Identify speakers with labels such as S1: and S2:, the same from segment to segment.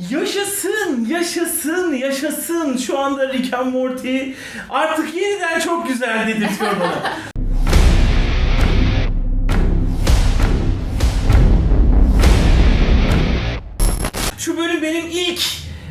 S1: Yaşasın, yaşasın, yaşasın. Şu anda Rick and Morty artık yeniden çok güzel dedirtiyor bana. Şu bölüm benim ilk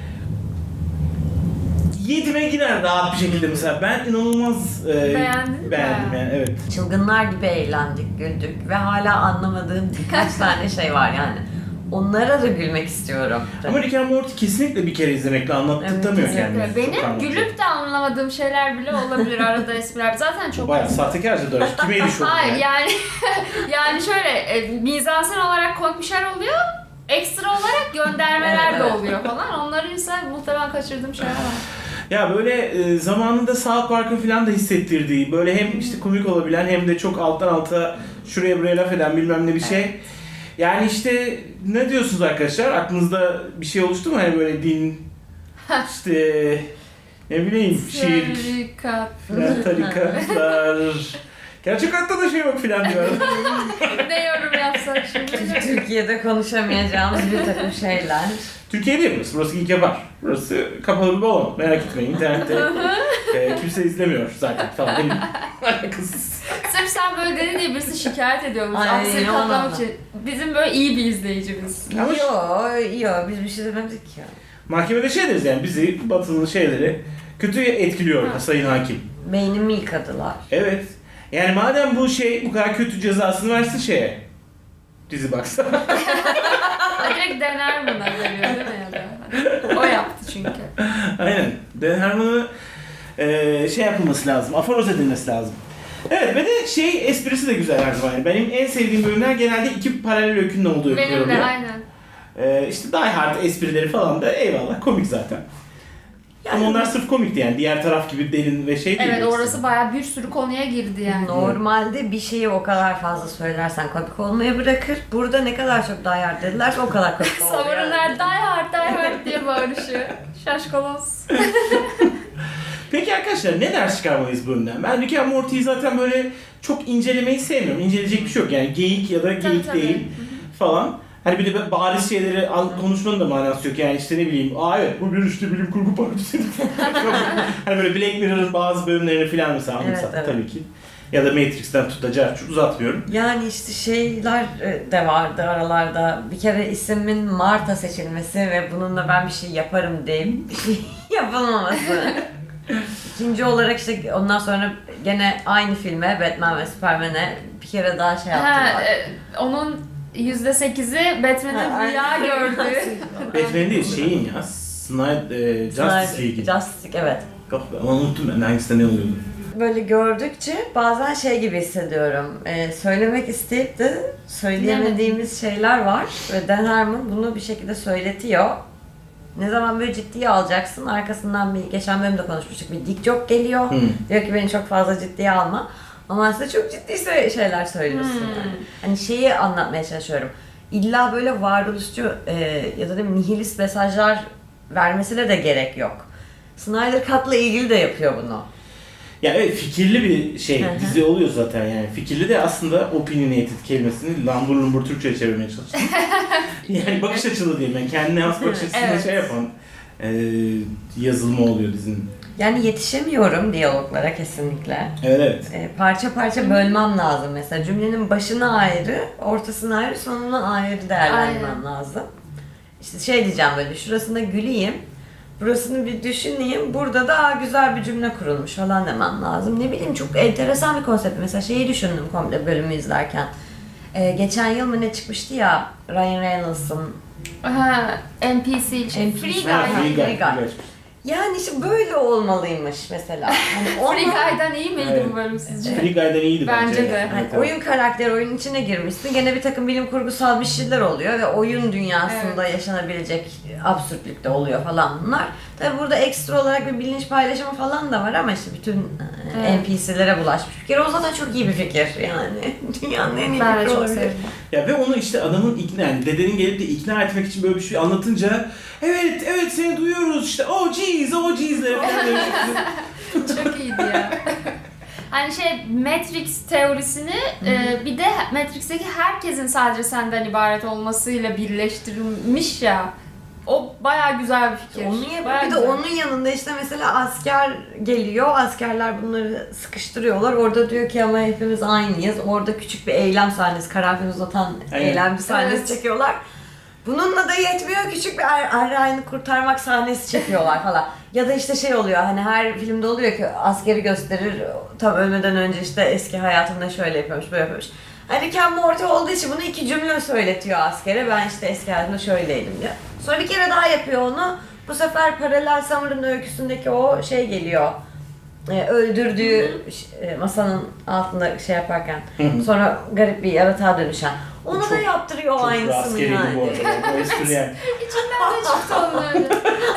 S1: 7'me girer rahat bir şekilde mesela. Ben inanılmaz beğendim yani, evet.
S2: Çılgınlar gibi eğlendik, güldük ve hala anlamadığım birkaç tane şey var yani. Onlara da gülmek istiyorum.
S1: Ama Rick and Morty kesinlikle bir kere izlemekle anlattırtamıyor
S2: Evet,
S1: kendini.
S3: Benim gülüp de anlamadığım şeyler bile olabilir arada espriler. Zaten çok
S1: Bayağı sahtekarca dönüş. Kime ediş oldu
S3: Hayır
S1: yani?
S3: yani şöyle mizansen olarak komik bir şeyler oluyor. Ekstra olarak göndermeler
S2: Evet,
S3: de
S2: evet.
S3: oluyor falan. Onları ise muhtemelen kaçırdığım şeyler var.
S1: Ya böyle zamanında South Park'ın falan da hissettirdiği, böyle hem işte komik olabilen hem de çok alttan alta şuraya buraya laf eden bilmem ne bir şey. Yani işte ne diyorsunuz arkadaşlar? Aklınızda bir şey oluştu mu? Hani böyle din, işte ne bileyim şirk,
S3: Tarikat.
S1: tarikatlar. Gerçek hayatta da şey yok filan diyor.
S3: Ne yorum yapsak şimdi?
S2: Türkiye'de konuşamayacağımız bir takım şeyler.
S1: Türkiye değil burası. Burası ilk yapar. Burası kapalı bir balon. Merak etmeyin. İnternette kimse izlemiyor zaten falan. Benim alakasız.
S3: Sırf sen böyle dedin diye birisi şikayet ediyormuş.
S2: Ay,
S3: Aksini
S2: yalan
S3: katlamak
S2: ama.
S3: için. Bizim böyle iyi bir izleyicimiz.
S1: Ama
S2: Yo, biz bir şey demedik ya.
S1: mahkemede şey deriz yani bizi Batı'nın şeyleri kötü etkiliyor sayın hakim.
S2: Beynimi yıkadılar.
S1: Evet. Yani madem bu şey bu kadar kötü cezasını versin şeye. Dizi baksa.
S3: Direkt dener buna veriyor değil mi ya da? O yaptı çünkü.
S1: Aynen. Dan Harmon'u şey yapılması lazım. Aforoz edilmesi lazım. Evet ve de şey esprisi de güzel her zaman. Yani benim en sevdiğim bölümler genelde iki paralel öykünün olduğu öyküler
S3: Benim de
S1: oluyor.
S3: aynen.
S1: İşte Die Hard esprileri falan da eyvallah komik zaten. Ama onlar sırf komikti yani. Diğer taraf gibi derin ve şey değil.
S3: Evet orası bayağı bir sürü konuya girdi yani.
S2: Normalde bir şeyi o kadar fazla söylersen komik olmaya bırakır. Burada ne kadar çok Die Hard dedilerse o kadar komik oluyor.
S3: Savurunlar die hard die hard diye bağırışıyor. Şaşkolos.
S1: Peki arkadaşlar ne ders çıkarmalıyız bu bölümden? Ben Rick and Morty'yi zaten böyle çok incelemeyi sevmiyorum. İnceleyecek bir şey yok yani geyik ya da geyik
S3: Tabii.
S1: değil falan. Hani bir de bariz şeyleri konuşmanın da manası yok yani işte ne bileyim evet bu bir işte bilim kurgu partisi. Hani böyle Black Mirror'ın bazı bölümlerini falan mesela anımsattı
S2: evet.
S1: tabii ki. Ya da Matrix'ten tutacak çok uzatmıyorum.
S2: Yani işte şeyler de vardı aralarda. Bir kere ismin Marta seçilmesi ve bununla ben bir şey yaparım deyip bir şey yapılmaması. İkinci olarak işte ondan sonra gene aynı filme Batman ve Superman'e bir kere daha şey yaptılar.
S3: Onun %8'i Batman'in rüya gördü.
S1: Batman değil şeyin ya Justice League'in.
S2: Justice League evet.
S1: Yok ama unuttum ben hangisinde ne oluyordu.
S2: Böyle gördükçe bazen şey gibi hissediyorum. Söylemek isteyip de söyleyemediğimiz şeyler var ve Dan Harmon bunu bir şekilde söyletiyor. Ne zaman böyle ciddiye alacaksın, arkasından bir geçen bölümde konuşmuştuk bir dik joke geliyor. Diyor ki beni çok fazla ciddiye alma. Ama aslında çok ciddi şeyler söylüyorsun yani. Hani şeyi anlatmaya çalışıyorum. İlla böyle varoluşçu ya da nihilist mesajlar vermesine de gerek yok. Snyder Cut'la ilgili de yapıyor bunu.
S1: Ya evet fikirli bir şey dizi oluyor zaten yani. Fikirli de aslında opinionated kelimesini lambur lumbur Türkçe'ye çevirmeye çalıştım. Yani bakış açılı diyeyim yani kendine has bakış açısına
S3: Evet.
S1: şey yapan yazılma oluyor dizinin.
S2: Yani yetişemiyorum diyaloglara kesinlikle.
S1: Evet.
S2: Parça parça bölmem lazım mesela. Cümlenin başına ayrı, ortasına ayrı, sonuna ayrı değerlendirmem lazım. İşte şey diyeceğim böyle, şurasında güleyim, burasını bir düşüneyim, burada da güzel bir cümle kurulmuş falan demem lazım. Ne bileyim çok enteresan bir konsept. Mesela şeyi düşündüm komple bölümü izlerken. Geçen yıl mı ne çıkmıştı ya Ryan Reynolds'ın
S3: NPC için.
S2: NPC.
S3: Free
S1: Ha,
S3: Guy.
S1: Free
S2: Free
S1: Guy.
S2: Guy. Yani işte böyle olmalıymış mesela. Hani
S3: Free Guy'dan iyi miydi
S1: Evet.
S3: bu bölüm sizce?
S1: Free Guy'dan iyiydi bence.
S3: Bence de.
S1: Evet,
S2: hani
S1: evet.
S2: oyun karakteri oyunun içine girmişsin. Gene bir takım bilim kurgusal bir şeyler oluyor ve oyun dünyasında yaşanabilecek absürtlükte oluyor falan bunlar. Tabi burada ekstra olarak bir bilinç paylaşımı falan da var ama işte bütün NPC'lere bulaşmış bir kere. O zaten çok iyi bir fikir yani. Dünyanın en iyi
S3: Ben de
S2: fikri
S3: çok
S2: olabilir.
S3: sevdim.
S1: Ya ve onu işte adamın ikna yani dedenin gelip de ikna etmek için böyle bir şey anlatınca evet seni duyuyoruz işte oh jeez'lere falan demiş.
S3: Çok iyiydi ya. Hani Matrix teorisini bir de Matrix'teki herkesin sadece senden ibaret olmasıyla birleştirilmiş ya. O bayağı güzel bir fikir.
S2: Onu yapıyor.
S3: Bayağı
S2: Bir de
S3: güzel.
S2: onun yanında işte mesela asker geliyor. Askerler bunları sıkıştırıyorlar. Orada diyor ki ama hepimiz aynıyız. Orada küçük bir eylem sahnesi, karanfil uzatan
S1: Evet.
S2: eylem sahnesi
S3: Evet.
S2: çekiyorlar. Bununla da yetmiyor. Küçük bir Eray'ını kurtarmak sahnesi çekiyorlar falan. Ya da işte şey oluyor hani her filmde oluyor ki askeri gösterir. Tam ölmeden önce işte eski hayatında şöyle yapıyormuş, böyle yapıyormuş. Hani Rick and Morty olduğu için bunu 2 cümle söyletiyor askere. Ben işte eski hayatımda şöyleydim diyor. Sonra bir kere daha yapıyor onu. Bu sefer Paralel Summer'ın öyküsündeki o şey geliyor. Öldürdüğü masanın altında şey yaparken. Sonra garip bir yaratığa dönüşen. Onu
S1: Çok-
S2: da yaptırıyor
S1: Çok
S2: aynısını
S1: askeriydi
S2: yani.
S1: bu arada. O espri yani.
S3: İçinden de çıktı onun öyle.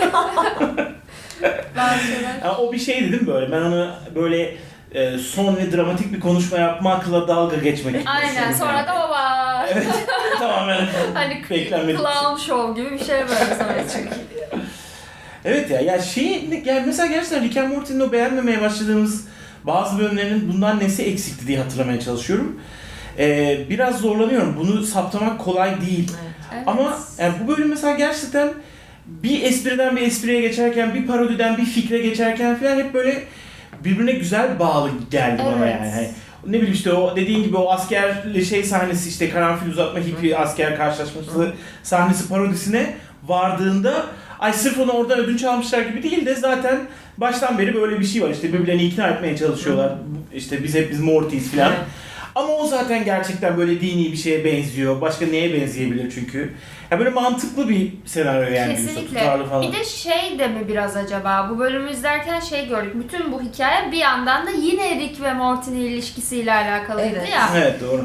S3: Bazı şeyler.
S1: Ya o bir şeydi değil mi böyle? Ben onu böyle son ve dramatik bir konuşma yapmakla dalga geçmek gibi
S3: Aynen,
S1: düşündüm
S3: sonra
S1: yani.
S3: da baba.
S1: Evet, tamamen
S3: Hani
S1: beklenmedik.
S3: clown show gibi bir şey böyle sonra çıkıyor.
S1: Evet ya yani mesela gerçekten Rick and Morty'nin o beğenmemeye başladığımız bazı bölümlerinin bundan nesi eksikti diye hatırlamaya çalışıyorum. Biraz zorlanıyorum. Bunu saptamak kolay değil.
S3: Evet.
S1: Ama yani bu bölüm mesela gerçekten bir espriden bir espriye geçerken, bir parodiden bir fikre geçerken falan hep böyle birbirine güzel bağlı geldi bana
S3: Evet.
S1: yani. Hani ne bileyim işte o dediğin gibi o askerle şey sahnesi işte karanfil uzatma hippie asker karşılaşması sahnesi parodisine vardığında ay sırf onu oradan ödünç almışlar gibi değil de zaten baştan beri böyle bir şey var işte birbirlerini ikna etmeye çalışıyorlar. İşte biz Morty'yiz falan.
S2: Evet.
S1: Ama o zaten gerçekten böyle dini bir şeye benziyor. Başka neye benzeyebilir çünkü? Ya böyle mantıklı bir senaryo yani.
S3: Kesinlikle.
S1: Tutarlı falan.
S3: Bir de şey de mi biraz acaba, bu bölümü izlerken şey gördük. Bütün bu hikaye bir yandan da yine Rick ve Morty'nin ilişkisiyle alakalıydı
S2: Evet.
S3: ya.
S1: Evet doğru.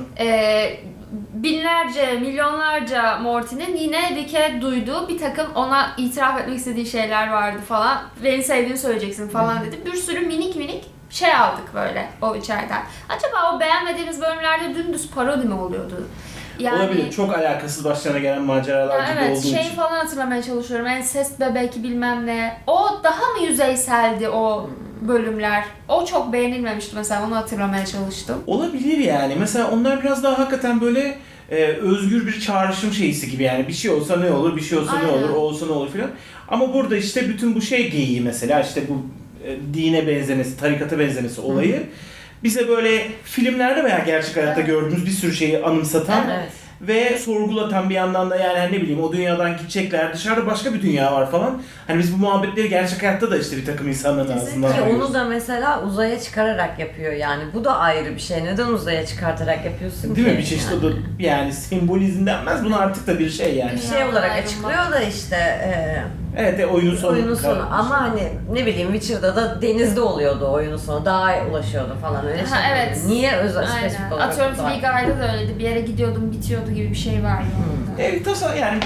S3: Binlerce, milyonlarca Morty'nin yine Rick'e duyduğu bir takım ona itiraf etmek istediği şeyler vardı falan. Beni sevdiğini söyleyeceksin falan dedi. Bir sürü minik minik şey aldık böyle o içeriden. Acaba o beğenmediğimiz bölümlerde dümdüz parodi mi oluyordu?
S1: Olabilir. Çok alakasız başlarına gelen maceralar
S3: Ya
S1: gibi
S3: evet,
S1: olduğu
S3: şey
S1: için.
S3: falan hatırlamaya çalışıyorum. Ensest bebek bilmem ne. O daha mı yüzeyseldi o bölümler? O çok beğenilmemişti mesela, onu hatırlamaya çalıştım.
S1: Olabilir yani. Mesela onlar biraz daha hakikaten böyle özgür bir çağrışım şeysi gibi yani. Bir şey olsa ne olur, bir şey olsa ne
S3: Aynen.
S1: olur, o olsa ne olur filan. Ama burada işte bütün bu şey geyiği mesela işte bu dine benzemesi, tarikata benzemesi olayı bize böyle filmlerde veya gerçek hayatta
S3: Evet.
S1: gördüğümüz bir sürü şeyi anımsatan
S2: Evet.
S1: ve sorgulatan bir yandan da yani hani ne bileyim o dünyadan gidecekler, dışarıda başka bir dünya var falan. Hani biz bu muhabbetleri gerçek hayatta da işte bir takım insanların
S3: Kesinlikle.
S1: ağzından
S2: Ki
S1: duyuyoruz.
S2: onu da mesela uzaya çıkararak yapıyor yani. Bu da ayrı bir şey. Neden uzaya çıkartarak yapıyorsun
S1: Değil
S2: ki?
S1: mi? Bir çeşit o da yani sembolizm denmez buna artık da bir şey yani.
S2: Bir şey olarak
S3: Ayrılma.
S2: açıklıyor da işte
S1: Evet oyunun sonu.
S2: oyunun sonu. Ama hani ne bileyim Witcher'da da denizde oluyordu oyunun sonu. Dağa ulaşıyordu falan öyle
S3: Ha,
S2: şey.
S3: evet.
S2: Niye özel
S3: Aynen.
S2: spesifik olarak?
S3: Atıyorum
S2: uzay?
S3: Free Guy'da da öyleydi. Bir yere gidiyordum, bitiyordu gibi bir şey var orada.
S1: Evet yani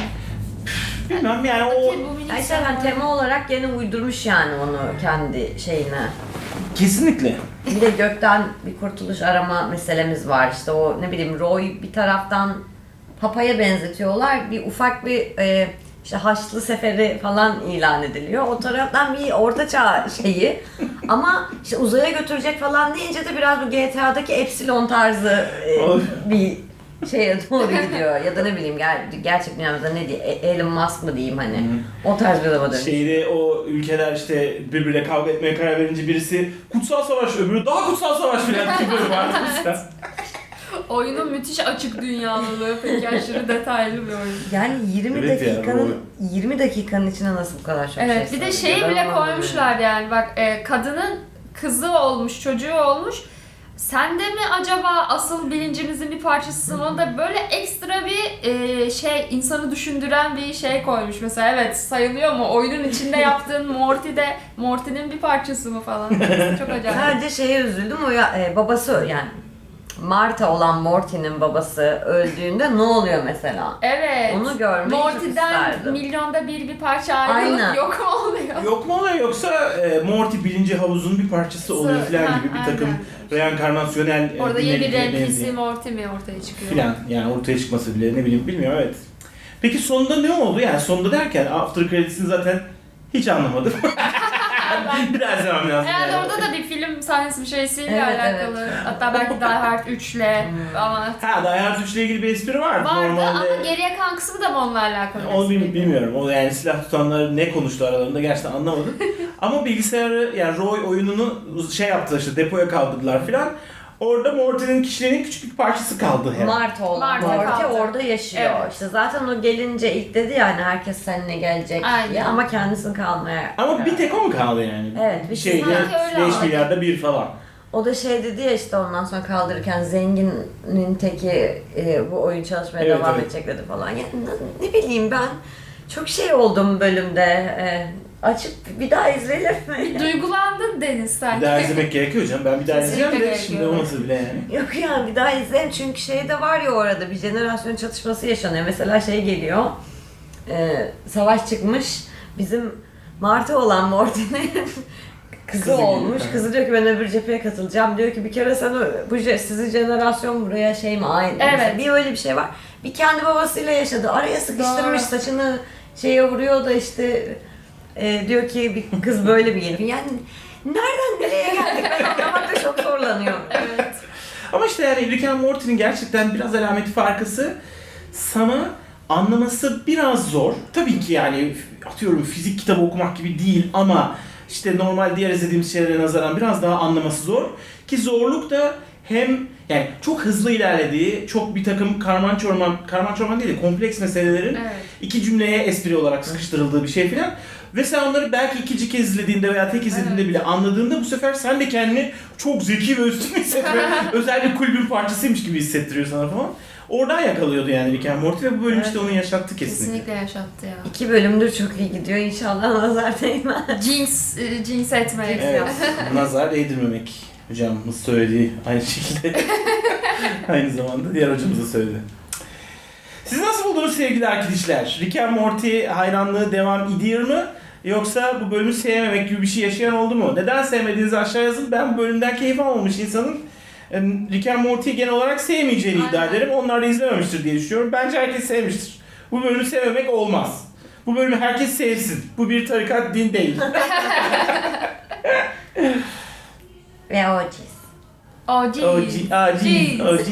S1: bilmem yani o
S3: Peki, bu minik
S2: Ya işte hani
S3: senaryo-
S2: tema olarak gene uydurmuş yani onu kendi şeyine.
S1: kesinlikle.
S2: Bir de gökten bir kurtuluş arama meselemiz var. İşte o ne bileyim Roy bir taraftan Papa'ya benzetiyorlar. Bir ufak bir işte Haçlı Seferi falan ilan ediliyor. O taraftan bir ortaçağ şeyi. Ama işte uzaya götürecek falan deyince de biraz bu GTA'daki Epsilon tarzı bir şeye doğru gidiyor. Ya da ne bileyim gerçek dünyamızda ne diye Elon Musk mı diyeyim hani. O tarz bir adama dönüş.
S1: Şeyde o ülkeler işte birbirine kavga etmeye karar verince birisi kutsal savaş öbürü daha kutsal savaş filan gibi böyle vardı mesela.
S3: Oyunun müthiş açık dünyalılığı, peki aşırı detaylı bir oyun.
S2: Yani 20
S1: Evet ya,
S2: dakikanın
S1: doğru.
S2: 20 dakikanın içine nasıl bu kadar çok
S3: Evet,
S2: şey
S3: bir de
S2: sığdırıyor?
S3: şeyi
S2: Ben
S3: bile
S2: anlamadım
S3: koymuşlar yani bak, kadının kızı olmuş, çocuğu olmuş. Sen de mi acaba asıl bilincimizin bir parçasısın? Onu da böyle ekstra bir şey, insanı düşündüren bir şey koymuş mesela. Evet, sayılıyor mu? Oyunun içinde yaptığın Morty'nin bir parçası mı falan. Çok acayip.
S2: Sadece şeye üzüldüm o ya, babası yani Marta olan Morty'nin babası öldüğünde ne oluyor mesela?
S3: Evet.
S2: Onu görmeyi çok
S3: Morty'den
S2: isterdim.
S3: milyonda bir parça ayrılıp
S2: Aynen.
S3: yok mu oluyor?
S1: Yok mu oluyor yoksa Morty birinci havuzun bir parçası oluyor filan gibi bir takım reenkarnasyonel
S3: Orada yeni bir
S1: dinamiklere
S3: NPC
S1: benziyor.
S3: Morty mi ortaya çıkıyor?
S1: Filan yani ortaya çıkması bile ne bileyim bilmiyorum evet. Peki sonunda ne oldu yani sonunda derken after credits'ini zaten hiç anlamadım. Biraz izlemem lazım.
S3: Herhalde
S1: yani.
S3: orada da bir film sahnesi bir şeysiyle
S2: Evet,
S3: alakalı. Hatta belki Die Hard 3'le ama
S1: Ha, Die Hard 3 ile ilgili bir espri var.
S3: vardı ama
S1: Normalde
S3: geriye kalan kısmı da mı onunla alakalı?
S1: onu
S3: espriydi?
S1: bilmiyorum. O yani silah tutanlar ne konuştu aralarında gerçekten anlamadım. Ama bilgisayarı yani Roy oyununu şey yaptılar işte depoya kaldırdılar filan. Orada Morty'nin kişiliğinin küçük bir parçası kaldı herhalde.
S2: Marta olan
S3: Marta
S2: Morty
S3: kaldı.
S2: orada yaşıyor.
S3: Evet.
S2: İşte zaten o gelince ilk dedi yani herkes seninle gelecek
S3: Aynen.
S2: diye ama kendisini kalmaya.
S1: Ama bir tek o mu kaldı yani?
S2: Evet, bir şey-
S1: şeyde
S3: Sanki öyle
S1: 5
S3: ama.
S1: milyarda bir falan.
S2: O da şey dedi ya işte ondan sonra kaldırırken zenginin teki bu oyun çalışmaya
S1: Evet,
S2: devam
S1: evet.
S2: edecek dedi falan. Yani ne bileyim ben çok şey oldum bölümde. Açıp bir daha izleyelim mi?
S3: Duygulandın Deniz
S1: Bir
S3: sanki.
S1: daha izlemek gerekiyor canım. Ben bir daha
S3: Kesinlikle
S1: izleyeceğim de
S3: gerekiyor.
S1: şimdi olmasa bile yani.
S2: Yok yani bir daha izleyelim çünkü şey de var ya orada bir jenerasyon çatışması yaşanıyor. Mesela şey geliyor, savaş çıkmış, bizim Martı olan Morty'nin kızı
S1: Kızı
S2: olmuş.
S1: geliyor.
S2: Kızı diyor ki ben öbür cepheye katılacağım. Diyor ki bir kere sen sizin jenerasyon buraya şey mi ait?
S3: Evet.
S2: Mesela bir öyle bir şey var. Bir kendi babasıyla yaşadı. Araya sıkıştırmış
S3: Doğru.
S2: saçını şeye vuruyor da işte diyor ki bir kız böyle bir gelin. Yani nereden nereye geldik ben anlamakta çok zorlanıyorum.
S3: Evet.
S1: Ama işte yani Rick and Morty'nin gerçekten biraz alameti farkası sana anlaması biraz zor. Tabii ki yani atıyorum fizik kitabı okumak gibi değil ama işte normal diğer izlediğimiz şeylere nazaran biraz daha anlaması zor. Ki zorluk da hem yani çok hızlı ilerlediği, çok bir takım karman çorman değil de kompleks meselelerin
S3: Evet.
S1: iki cümleye espri olarak sıkıştırıldığı bir şey filan. Ve sen onları belki ikinci kez izlediğinde veya tek izlediğinde bile anladığında bu sefer sen de kendini çok zeki ve üstün hissetme, özel bir kulübün parçasıymış gibi hissettiriyor sana falan. Oradan yakalıyordu yani Rick and Morty ve bu bölüm
S2: Evet.
S1: işte onu yaşattı kesinlikle.
S3: Kesinlikle yaşattı ya.
S2: 2 bölümdür çok iyi gidiyor. İnşallah nazar değmez.
S3: Cins etmek.
S1: Evet, nazar değdirmemek hocamız söylediği aynı şekilde aynı zamanda diğer hocamız da söyledi. Siz nasıl buldunuz sevgili arkadaşlar? Rick and Morty hayranlığı devam ediyor mu? Yoksa bu bölümü sevmemek gibi bir şey yaşayan oldu mu? Neden sevmediğinizi aşağı yazın. Ben bu bölümden keyif almamış insanın Rick and Morty'yi genel olarak sevmeyeceğini iddia
S3: Aynen.
S1: ederim. Onlar da izlememiştir diye düşünüyorum. Bence herkes sevmiştir. Bu bölümü sevmemek olmaz. Bu bölümü herkes sevsin. Bu bir tarikat, din değil.
S2: Ve OG's.
S3: Jeez.
S1: OG.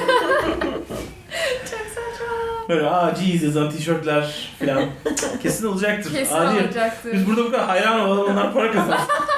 S3: Çok saçma.
S1: Böyle Jesus yazan tişörtler falan kesin olacaktır.
S3: Kesin
S1: Adi.
S3: olacaktır.
S1: Biz burada bu kadar hayran olalım, onlar para kazansın.